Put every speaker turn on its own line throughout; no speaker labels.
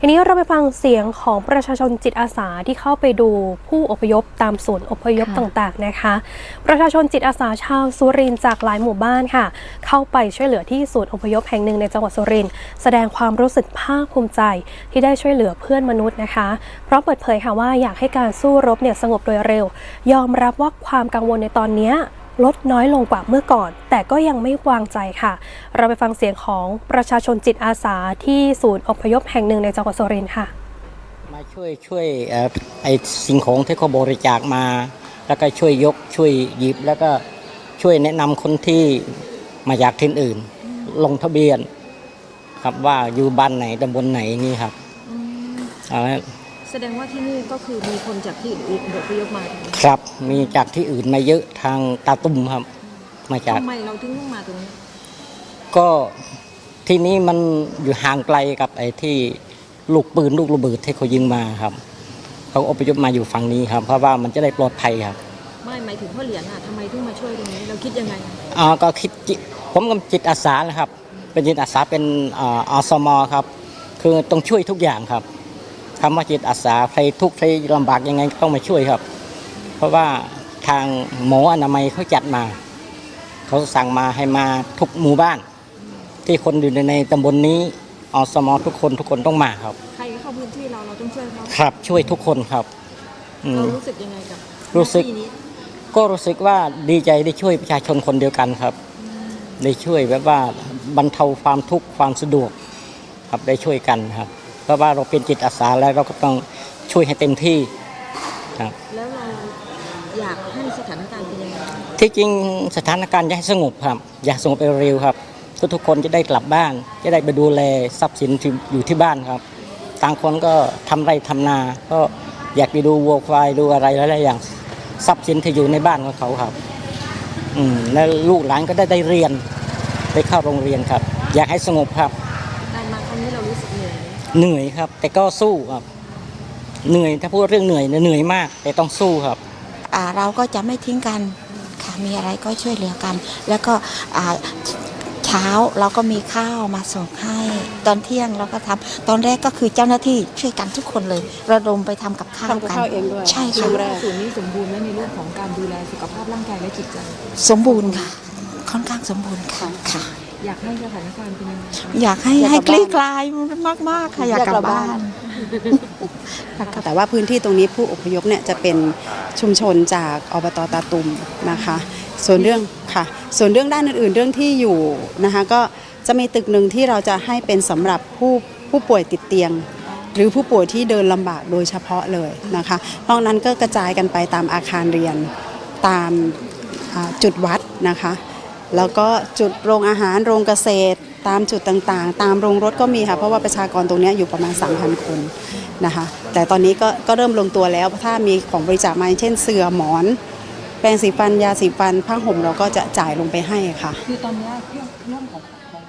ทีนี้เราไปฟังเสียงของประชาชนจิตอาสาที่เข้าไปดูผู้อพยพตามศูนย์อพยพต่างๆนะคะประชาชนจิตอาสาชาวสุรินทร์จากหลายหมู่บ้านค่ะเข้าไปช่วยเหลือที่ศูนย์อพยพแห่งหนึ่งในจังหวัดสุรินทร์แสดงความรู้สึกภาคภูมิใจที่ได้ช่วยเหลือเพื่อนมนุษย์นะคะพร้อมเปิดเผยค่ะว่าอยากให้การสู้รบสงบโดยเร็วยอมรับว่าความกังวลในตอนนี้ลดน้อยลงกว่าเมื่อก่อนแต่ก็ยังไม่วางใจค่ะเราไปฟังเสียงของประชาชนจิตอาสาที่ศูนย์อพยพแห่งหนึ่งในจังหวัดสุรินทร์ค่ะ
มาช่วยไอ้สิ่งของที่เขาบริจาคมาแล้วก็ช่วยยกช่วยหยิบแล้วก็ช่วยแนะนำคนที่มาจากที่อื่นลงทะเบียนครับว่าอยู่บ้านไหนตำบลไหนนี่ครับ
แสดงว่าที่นี่ก็คือมีคนจากที่อื่นอพยพมา
ครับมีจากที่อื่นมาเยอะทางตาตุ่มครับมาจาก
ทำไมเราถึงต้องมาตรงนี้
ก็ที่นี้มันอยู่ห่างไกลกับไอ้ที่ลูกปืนลูกระเบิดที่เขายิงมาครับเขาอพยพมาอยู่ฝั่งนี้ครับเพราะว่ามันจะได้ปลอดภัยครับ
ไม่หมายถึงพ่อเหรียญทำไมถึงมาช่วยตรงนี้เราคิดยังไง
ก็คิดผมกับจิตอาสานะครับเป็นจิตอาสาเป็นอสมครับคือต้องช่วยทุกอย่างครับคำว่าจิตอาสาใครทุกข์ใครลำบากยังไงก็ต้องมาช่วยครับเพราะว่าทางหมออนามัยเขาจัดมาเขาสั่งมาให้มาทุกหมู่บ้านที่คนอยู่ในตำบลนี้อสมทุกคนต้องมาครับ
ใครเข้าพื้นที่เราต้องช่วยเขา
ครับช่วยทุกคนครับ
เรารู้สึกยังไงกับ
รู้สึกก็รู้สึกว่าดีใจได้ช่วยประชาชนคนเดียวกันครับได้ช่วยแบบว่าบรรเทาความทุกข์ความสะดวกครับได้ช่วยกันครับเพราะว่าเราเป็นจิตอาสาแล้วเราก็ต้องช่วยให้เต็มที่ครับ
แล้วเราอยากให้สถานการณ์เป็นยังไง
ที่จริงสถานการณ์อยากให้สงบครับอยากสงบเร็วครับทุกคนจะได้กลับบ้านจะได้ไปดูแลทรัพย์สินที่อยู่ที่บ้านครับต่างคนก็ทำไร่ทำนาก็อยากไปดูวัวควายดูอะไรหลายๆอย่างทรัพย์สินที่อยู่ในบ้านของเขาครับแล้วลูกหลานก็ได้เรียนได้เข้าโรงเรียนครับอยากให้สงบครับ
การมาครั้งนี้เรารู้สึกเหนื่อย
ครับแต่ก็สู้ครับเหนื่อยถ้าพูดเรื่องเหนื่อยมากแต่ต้องสู้ครับ
เราก็จะไม่ทิ้งกันค่ะมีอะไรก็ช่วยเหลือกันแล้วก็เช้าเราก็มีข้าวมาส่งให้ตอนเที่ยงเราก็ทำตอนแรกก็คือเจ้าหน้าที่ช่วยกันทุกคนเลยระดมไปทำกับข้าวกัน
เองด้วย
ใช่ค่ะ
ศูนย์นี้สมบูรณ์ไหมในเรื่องของการดูแลสุขภาพร่างกายและจิตใจ
สมบูรณ์ค่ะค่อนข้างสมบูรณ์ค่ะ
อยากให้สถานการณ์เป็นยังไง
อยากให้คลี่คลายมากๆค่ะอยากกลับบ้าน
แต่ว่าพื้นที่ตรงนี้ผู้อพยพจะเป็นชุมชนจากอบต.ตาตุ่มนะคะส่วนเรื่องด้านอื่นๆเรื่องที่อยู่นะคะก็จะมีตึกหนึ่งที่เราจะให้เป็นสำหรับผู้ป่วยติดเตียงหรือผู้ป่วยที่เดินลำบากโดยเฉพาะเลยนะคะนอกนั้นก็กระจายกันไปตามอาคารเรียนตามจุดวัดนะคะแล้วก็จุดโรงอาหารโรงเกษตรตามจุดต่างๆตามโรงรถก็มีค่ะเพราะว่าประชากรตรงนี้อยู่ประมาณ 3,000 คนนะคะแต่ตอนนี้ก็เริ่มลงตัวแล้วถ้ามีของบริจาคมาเช่นเสื่อหมอนแปรงสีฟันยาสีฟันผ้าห่มเราก็จะจ่ายลงไปให้ค่ะ
คือตอนนี้เรื่องของ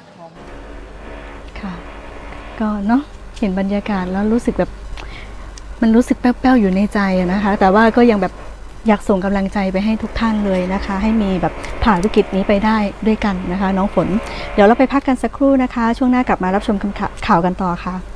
ค่ะก็เนาะเห็นบรรยากาศแล้วรู้สึกแบบมันรู้สึกแป้วๆอยู่ในใจนะคะแต่ว่าก็ยังแบบอยากส่งกำลังใจไปให้ทุกท่านเลยนะคะให้มีแบบผ่านวิกฤตนี้ไปได้ด้วยกันนะคะน้องฝนเดี๋ยวเราไปพักกันสักครู่นะคะช่วงหน้ากลับมารับชมข่าวกันต่อค่ะ